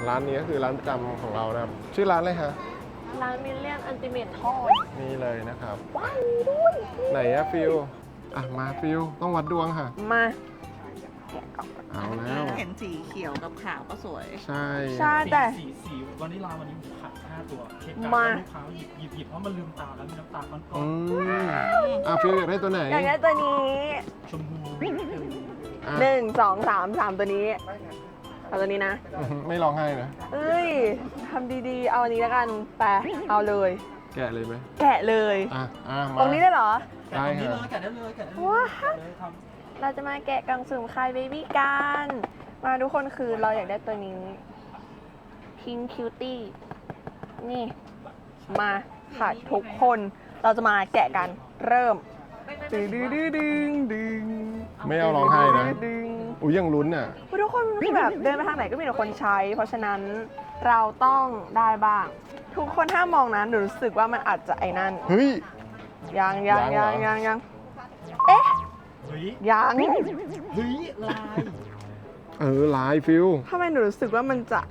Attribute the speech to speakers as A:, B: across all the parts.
A: ร้านนี้ก็คือร้านประจำของเรานะครับชื่อร้านอะไรฮะ
B: ร้านมิลเลียนอันติเมททอด
A: นี่เลยนะครับ
B: ว้าวด้วย
A: ไหนอะฟิลมาฟิลต้องวัดดวงค่ะ
B: มา
A: เอาแล้ว
C: เห็นสีเขียวกับขาวก็สวย
A: ใช่
B: ใช่แต่
D: สีวานิลลาวันนี้ผมขัด5ตัวเค้ก
B: มา
D: ลูกค้าหยิบเพราะมันลืมตาแล้วมีน้ำตาก้อน
A: ฟิลอยากได้ตัวไหน
B: อยากได้ตัวนี้
D: ๆชมพู
A: อ่ะ
B: 1 2 3 3ตัวนี้เอาตัวนี้นะ
A: ไม่ร้องไห้นะ
B: เอ้ยทำดีๆ เอาอันนี้แล้วกันไปเอาเลย
A: แกะเลยไหม
B: แกะเลย
A: มา
B: ตรงนี้ได้เหรอ
D: แกะตรงนี้เลยแกะได้เลยแกะได้เลย
B: ว้า
D: แกะเลยท
B: เราจะมาแกะกล่องสุ่มคายเบบี้กันมาทุกคนคือเราอยากได้ตัวนี้ Pink Cutie นี่ มาค่ะทุกคนเราจะมาแกะกันเริ่มดึงดึงดึงดึงดึง
A: ไม่เอาร้องไห้นะ
B: ดึง
A: อุ้ยยังลุ้นอ่ะ
B: ทุกคนคือแบบเดินไปทางไหนก็มีแต่คนใช้ เพราะฉะนั้นเราต้องได้บ้าง ทุกคนถ้ามองนะหนูรู้สึกว่ามันอาจจะไอ้นั่น
A: เฮ้ย
B: ยัง
A: ยังเหรอ
B: เอ๊ะ
D: ำเฮ้ย
B: ยัง
D: เฮ้ยลาย
A: ลายฟิล
B: ทำไมหนูรู้สึกว่ามันจะ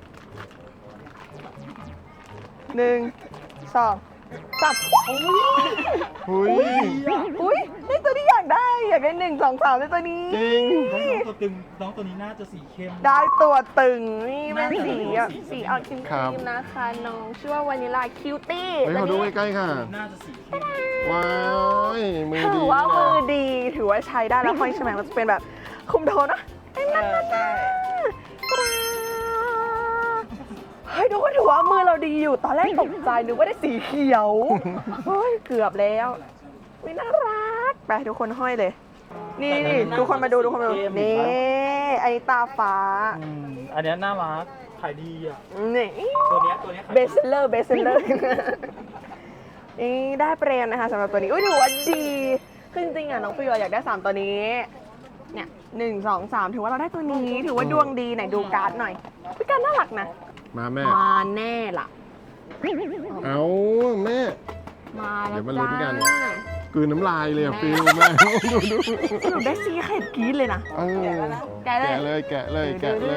B: 1 2 3
A: หุ้ย
B: อุ้ยได้ตัวที่อยากได้1 2 3ได้ตัวนี้
A: จริง
D: น้องตัวตึงน้องตัวนี้น่าจะสีเข้ม
B: ได้ตัวตึงนี่เป็นสีแบบสีออกครี
A: ครับ
B: มๆนะคะน้องชื่อว่าวานิลาคิวตี้
A: เฮ้ยขอดูใกล้ๆค่ะ
D: น่าจะสีเข้ม
A: ว้ายมือ
B: ถื
A: ดี
B: อว่า
A: นะ
B: มือดีถือว่าใช้ได้แล้วห้อยใช่ไหมมันจะเป็นแบบคุมโทนนะเฮ้ยทุกคนถือว่ามือเราดีอยู่ตอนแรกตกใจนึกว่าได้สีเขียวเฮ้ยเกือบแล้ววิน่ารักไปทุกคนห้อยเลย นี่ทุกคนมาดูนี่ไอ้ตาฟ้า
D: อันนี้น่ารักขายดีอ่ะ
B: นี่
D: ตัวเนี้ยขาย
B: เบสเซลเลอร์นี่ได้เปรมนะคะสำหรับตัวนี้อุ้ยถือว่าดีคือจริงๆอ่ะน้องฟิวอยากได้3ตัวนี้เนี่ย1 2 3ถือว่าเราได้ตัวนี้ถือว่าดวงดีไหนดูการ์ดหน่อยพี่การ์ดน่ารักนะ
A: มาแม่
B: มาแน่ล่ะ
A: เอาแม่
B: มา
A: เดี๋
B: แล้ว
A: ยวมาลุ้นกัน
B: จ้าก
A: ลืนน้ำลายเลยอะฟิลแม่ ดู
B: สรุปได้ซีเค็ดกรี๊ดเลยนะ แกะเลย
A: แกะเลยแกะเลย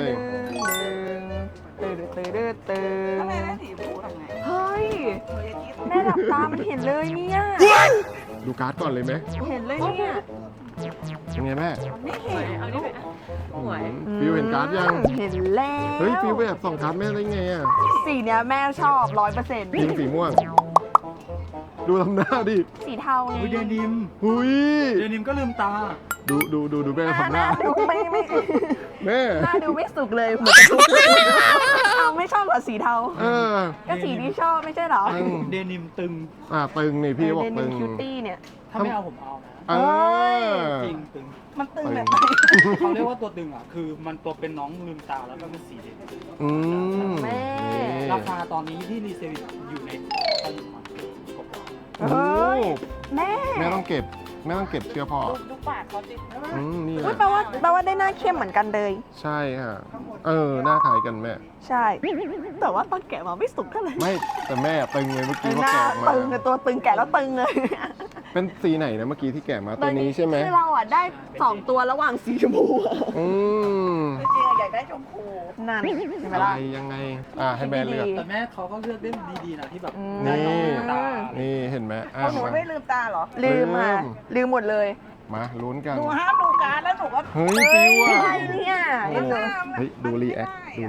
B: ตื่น
C: ถ้าแม่ได้สีฟูทำไง
B: เฮ้ย
C: เฮ้ยที่
B: แม่หลับตามันเห็นเลยเนี่ย
A: ดูการ์ดก่อนเลยไหม
B: เห็นเลยเนี่ย
A: เป็นไงแม่
C: ไม่เห็นลูก
A: ฟิลเห็นการ์ดยัง
B: เห็นแล้ว
A: เฮ้ยฟิลไปแอบส่องการ์ดแม่ได้ไงอะ
B: สีเนี้ยแม่ชอบ100%
A: พิงสีม่วง ดูทำหน้าดิ
B: สีเทาไง
D: เดนิม
A: หุย
D: เดนิมก็ลืมตา
A: ดูแม่ทำห
B: ห
A: น้า
B: น้าดูไม่
A: แม่
B: หน้าดูไม่สุกเลยเหมือนจะทุกข์เอาไม่ชอบเหรอสีเทา
A: เออ
B: ก็สีที่ชอบไม่ใช่เหรอ
D: เดนิมตึง
A: ตึงนี่พี่บอก
B: เด
A: ตึ
B: นิ
A: ง
B: มคิวตี้เนี่ย
D: ถ้าไม่เอาผมเอานะ
A: เออ
D: จริงตึง
C: มันตึงแบบไหน
D: เขาเรียกว่าตัวตึงอ่ะ คือมันตัวเป็นน้องลืมตาแล้วก็เป็นสีเด่น
A: อืม
B: แม่
A: นี่
D: ราคาตอนนี้ที่รีเซลอยู่ในตลาดกว่า
A: โอ้โห
B: แม่
A: แม่ต้องเก็บเชื่อพ่อ
C: ดูปากเขาสิ
A: นี่แห
B: อุ๊ย
A: ละ
B: แปลว่าได้หน้าเข้มเหมือนกันเลย
A: ใช่ค่ะ หน้าคล้ายกันแม่
B: ใช่ แต่ว่าตอนแกะมาไม่สุกเท่าไหร่
A: ไม่แต่แม่ตึงเลยเมื่อกี้
B: ห
A: ว่า
B: น้า
A: แกะออกมา
B: ตึงเลยตัวตึงแกะแล้วตึงเลย
A: เป็นสีไหนนะเมื่อกี้ที่แกะมาตัวนี้ใช่ไหม
B: คือเราอ่ะได้2ตัวระหว่างสีชมพูอะ
A: อืม
C: จริงๆอยากได้ชมพู
B: นั่นเห็นไหม
A: อะไร
B: ล่ะ
A: ยังไงให้แม่เลือก
D: แต่แม่เขาก็เลือกได้ดีๆนะที่แบบ
B: อืม
D: ได้น้องลืมตา
A: นี่เห็นไหม
C: เอาหนูไม่ลืมตาเหรอ
B: ลืมค่ะลืมหมดเลย
A: มาลุ้นกัน
C: หนูห้ามดูการ์ดแล้วหนูก็
A: เฮ้ยฟิว
B: ไม่
A: อ่ะ
B: ใช่เนี่ย
A: โอ้เฮ้ยดูรีแอคแม่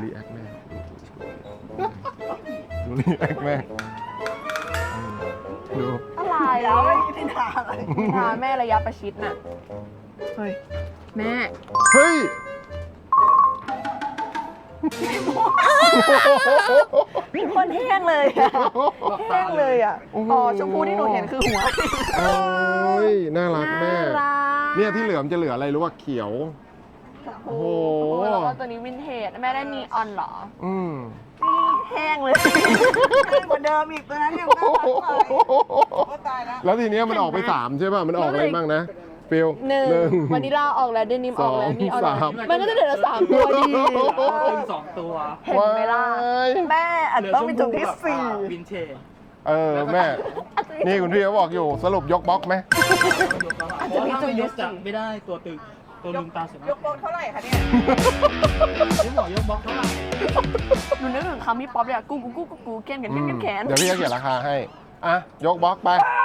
A: ดูรีแอคแม่ดู
B: อะไร
C: แล้
B: แล้ว ว
C: ไม่ได้ทาอะไร
B: พาแม่ระยะประชิดน่ะ เฮ้ย แม่
A: เฮ้ย
B: คนแห้งเลยอะแห้งเลยอ่ะ
A: โอ้โห
B: อ๋อชมพูที่หนูเห็นคือหัว
A: โอ้ยน่ารักแม่
B: น่ารัก
A: เนี่ยที่เหลือมันจะเหลืออะไรรู้ว่าเขียว โอ้โห
B: แล้วก็ตัวนี้วินเทจแม่ได้นีออนเหรอ
A: อืม
B: นี่แห้งเลย
C: กว่าเดิมอีกตัวนั้นยังน่ารักกว่าก็ตายแล้ว
A: แล้วทีเนี้ยมันออกไป3ใช่ป่ะมันออกอะไรบ้างนะฟิล
B: หนึ่งวานิลลาออกแล้วเดนิมออกแล้ว
A: สอง
B: นี่ออกแล้ว
A: สาม
B: มันก็จะเหลือ3ตัวดี
D: ตึง2 ตัว
B: เห็นไหมล่ะ แม่อาจจะต้องมีจุดที่
D: วินเทจ
A: แม่ นี่คุณพี่เขาบอกอยู่สรุปยกบล็อกไหม
D: เพราะถ้าไม่ยกจับไม่ได้ตัวตึงตัวลืมตาสวยมาก
C: ยกโปรเท่าไหร่คะเนี่ย
D: นี่บอกยกบล็อกเท่าไหร่
B: หนูนึกถึงคำพี่ป๊อปเลยอะกูแขน
A: อืม
B: แขน
A: เดี๋ยวพี่จะเขียนราคาให้ อ่ะ ยกบล็อกไป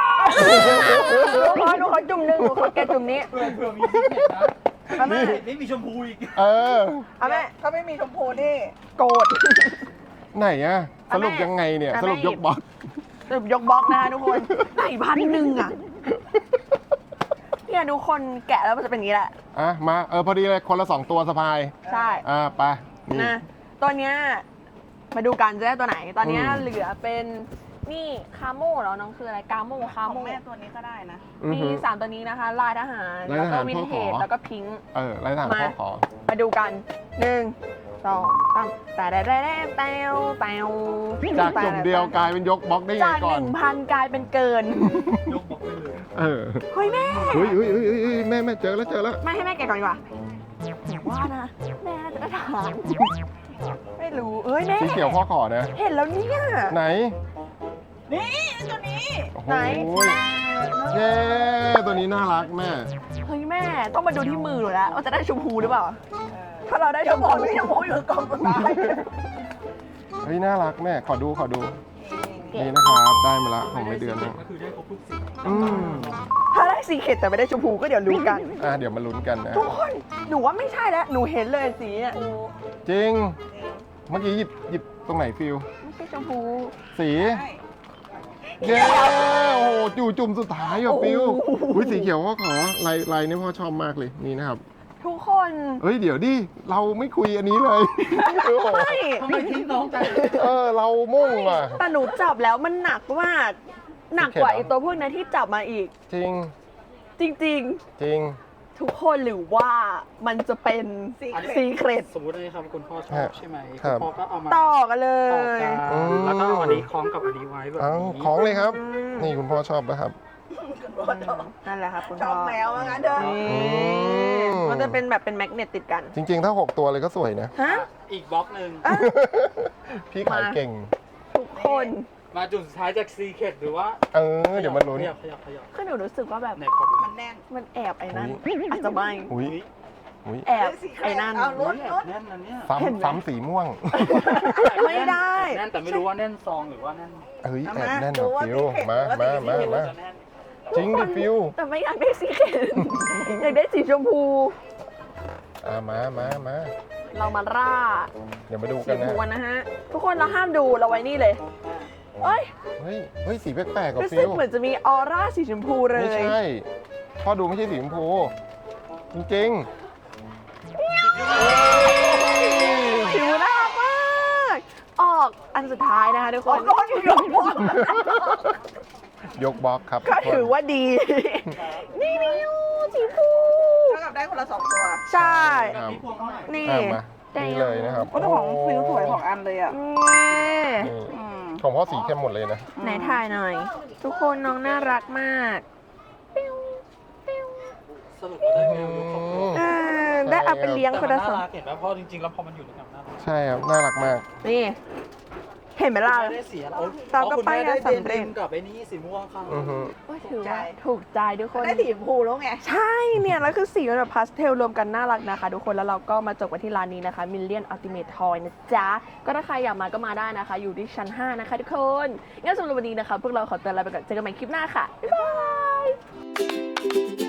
B: หนูขอจุ่มหนึ่งหนูขอแกจุ่มนี้
D: เผื่อมีพิเศษนะ
B: เอาแม่
D: นี่มีชมพูอีก
A: เออ
B: เอาแม่
C: ถ้าไม่มีชมพูนี่
B: โกรธ
A: ไหนอะส
B: เอาแม่
A: รุปยังไงเนี่ย
B: เอา
A: ส
B: แม่
A: รุปยกบล็อก
B: สรุปยกบล็อกนะคะทุกคนไหน1,000อะเนี่ยทุกคนแกะแล้วมันจะเป็นอย่างนี้แหละ
A: อ่ะ มาพอดีเลยคนละ 2 ตัวสะพาย
B: ใช่
A: ไปนี่
B: นะตัวเนี้ยมาดูกันจะได้ตัวไหน ตอนเนี้ย
A: อืม
B: เหลือเป็นนี่คาโม่เหรอน้องคืออะไรกาโม่คา
C: ของ
B: โม่
C: แม่ตัวนี้ก็ได้นะ
A: อือ
B: มี
A: ฮึ
B: 3 ตัวนี้นะคะ ลายทหาร
A: ลาย
B: แล้ว
A: ท
B: ก็
A: หาร
B: วินเทจ
A: พ่อขอ
B: แล้วก็พิงค์
A: ไล่ทหาร
B: มา
A: พ่อขอ
B: มาดูกัน 1 2 3แต่แต้ว
A: จากจุ่มเดียวกลายเป็นยกบล็อกได้ไง
B: จาก
A: ก่อน
B: 1,000 กลายเป็นเกิน
D: ยกบล็อกไปเลย
A: เออ
B: เฮ้ยแม่
A: เฮ้ยแม่เจอแล้ว
B: ไม่ให้แม่แกะก่อนดีกว่าแต่ว่านะ แม่น่าจะได้ทหารไม่รู้เอ้ยแม่
A: สีเขียวพ่อขอนะ
B: เห็นแล้วเนี่ย
A: ไหน
C: นี่ตัวนี้
A: โอ้โห
B: ไหน
A: เย้ตัวนี้น่ารักแม่
B: เฮ้ยแม่ต้องมาดูที่มือหนูแล้วว่าจะได้ชมพูหรือเปล่า ถ้าเราได้ช
C: จะ
B: ม
C: บ
B: พู
C: อกไม่ชมพูอยู่กองสุดท้าย
A: เฮ้ยน่ารักแม่ ขอดู นี่นะครับ ได้มาละของในเดือนนึง
D: ก็คือได้ครบทุกสี
A: อืม
B: ถ้าได้สีเข็ดแต่ไม่ได้ชมพูก็เดี๋ยวรู้กัน
A: เดี๋ยวมาลุ้นกันนะ
B: ทุกคนหนูว่าไม่ใช่แล้วหนูเห็นเลยสีเนี่ย
A: จริง เมื่อกี้หยิบตรงไหนฟิล
B: ไม่ใช่ชมพู
A: สี
C: ใช่
A: เย้โอ้โหจุ่มสุดท้ายอ่ะฟิลอุ้ยสีเขียวพ่อขอลายนี่พ่อชอบมากเลยนี่นะครับ
B: ทุกคน
A: เฮ้ยเดี๋ยวดิเราไม่คุยอันนี้เลย โอ้โห
B: ไม่
D: ทำไมทิ้งน้องจัง
A: เรามุ่งอ่ะ
B: แต่หนูจับแล้วมันหนักมาก หนักกว่าไอตัวพวกนั้นที่จับมาอีก
A: จริง
B: จริง
A: จริง
B: ๆ ทุกคนหรือว่ามันจะเป็น ซีเครต
D: สมมติอันนี้ครับคุณพ่อชอบใช่ไหม
A: ครั
D: คุณ
A: บ
D: พ่อก็เอามา
B: ต่อกันเล
D: ต่อย กัน
A: อืม
D: แล้วก็เอาอันนี้คล้องกับอันนี้ไว้แบบ
A: เอา
D: นี้
A: ของเลยครับ นี่คุณพ่อชอบนะครับ
B: นั่นแหละครับคุณ
C: ช
B: พ่
C: อ
B: อบ
C: แมวว่างั้นเถอะ
B: นี่
A: ม
B: มันจะเป็นแบบเป็นแมกเนตติดกัน
A: จริง ๆ ถ้า 6 ตัวเลยก็สวยนะ
B: ฮะ
D: อีกบล็อกหนึ่ง
A: พี่ขายเก่ง
B: ทุกคน
D: มาจุดสุดท้ายจากซีเคดหรือว่า
A: เดี๋ยวมาลุ้น
D: ขยับ
B: คือหนูรู้สึกว่าแบบ
D: ในขอดู
C: มันแน่น
B: มันแอบไอ้นั่นอาจจะไม่
A: อุ้ยอุ้ย
B: แอบไอ้นั่น
C: เอาลุ้น
D: แน่นนะเนี่ย
B: เห็นไหม
A: ซ้ำสีม่วง
B: ไม่ได้
D: แน่นแต่ไม่รู้ว่าแน่นซองหรือว่าแน่น
A: เฮ้ย
C: เอา
A: แอบ
C: มา
A: แน่น
C: ดู
A: อ่ะ
C: ว่า
A: ฟิว
C: สีเข็ด
A: มา
C: หรือว่าสี
A: มา
C: เขียว
A: มา
D: จะแน่น
A: จริงดิฟิว
B: แต่ไม่อยากได้สีเขียวอยากได้สีชมพู
A: มา
B: เรามาร่า
A: เดี๋ยวมาดู
B: สี
A: กัน
B: ชม
A: นะ
B: พูกันนะฮะ ทุกคนเราห้ามดูเราไว้นี่เลยเอ้ย
A: เฮ้ยสีแปลกๆกับ
B: รู้
A: ฟิ
B: สึก
A: ว
B: เหมือนจะมีออร่าสีชมพูเลย
A: ไม่ใช่พ่อดูไม่ใช่สีชมพู จริง
B: ผิวน่ารักมาก ออกอันสุดท้ายนะคะทุกคน
C: ก็มันอยู่ยกบล็อก
A: ๆ ยกบล็อกครับ
B: ก็ถือว่าดี นี่สีชมพู
C: เท่ากับได้คนละ2ตัว
B: ใช่
A: ครับ
D: พี่พวงเท่าไหร่
B: นี่
A: มานี่เลยนะครับ
C: ก็ของฟิวสวยของอันเลยอ่ะ
B: นี่
A: นี่
C: อืม
A: ของพ่อสีเข้มหมดเลยนะ
B: ไหนถ่ายหน่อย ทุกคนน้องน่ารักมาก
D: สรุปได้แมวยกครบตัว
B: เออได้เอาไปเลี้ยง
D: แต่
B: คน
D: มัน
B: ละ
D: น่า
B: สอง
D: รักเห็นไหมเพราะจริงๆแล้วพอมันอยู่ด้วยกันน่ารัก
A: ใช่ครับ น่ารักมาก
B: นี่ เห็นไหมล่ะ
D: คุณแม่ได้เสียแล้ว
B: ตามก็
D: คุณ
B: ไป
D: แม่ได้
B: นะ
D: เด
B: สำเร็จ
D: นกับไอ้นี่สีม่วงค่ะ
A: อือฮึ
B: ก็ถือว่าถูกใจทุกคน
C: ได้สีชมพูแล้วไง
B: ใช่เนี่ยแล้วคือสีมันแบบพาสเทลรวมกันน่ารักนะคะทุกคนแล้วเราก็มาจบกันที่ร้านนี้นะคะ Million Ultimate Toy นะจ๊ะ ก็ถ้าใครอยากมาก็มาได้นะคะ อยู่ที่ชั้น 5 นะคะทุกคนงั้นสำหรับวันนี้นะคะพวกเราขอตัวลาไปก่อนเจอกันใหม่คลิปหน้าค่ะ บ๊ายบาย